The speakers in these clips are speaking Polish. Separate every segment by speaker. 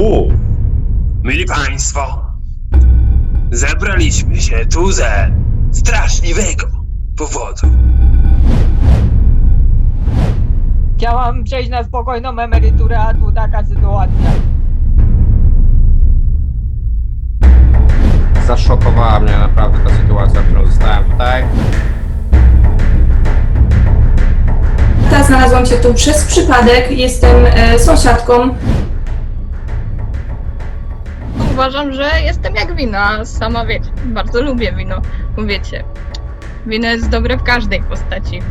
Speaker 1: Mili Państwo, zebraliśmy się tu ze straszliwego powodu.
Speaker 2: Chciałam przejść na spokojną emeryturę, a tu taka sytuacja.
Speaker 3: Zaszokowała mnie naprawdę ta sytuacja, w którą zostałem tutaj.
Speaker 4: Znalazłam się tu przez przypadek, jestem sąsiadką.
Speaker 5: Uważam, że jestem jak wino, a sama wiecie, bardzo lubię wino, bo wiecie, wino jest dobre w każdej postaci.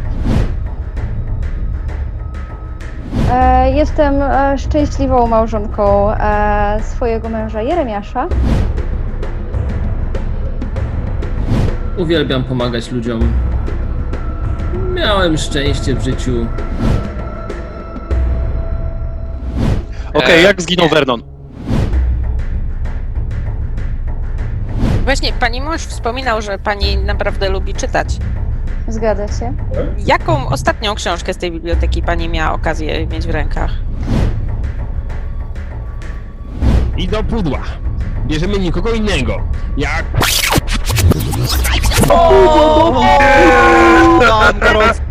Speaker 6: Jestem szczęśliwą małżonką swojego męża Jeremiasza.
Speaker 7: Uwielbiam pomagać ludziom. Miałem szczęście w życiu.
Speaker 8: Okej, jak zginął Vernon?
Speaker 9: Właśnie, pani mąż wspominał, że pani naprawdę lubi czytać.
Speaker 6: Zgadza się.
Speaker 9: Jaką ostatnią książkę z tej biblioteki pani miała okazję mieć w rękach?
Speaker 10: I do pudła. Bierzemy nikogo innego. Jak...
Speaker 8: Mam gorący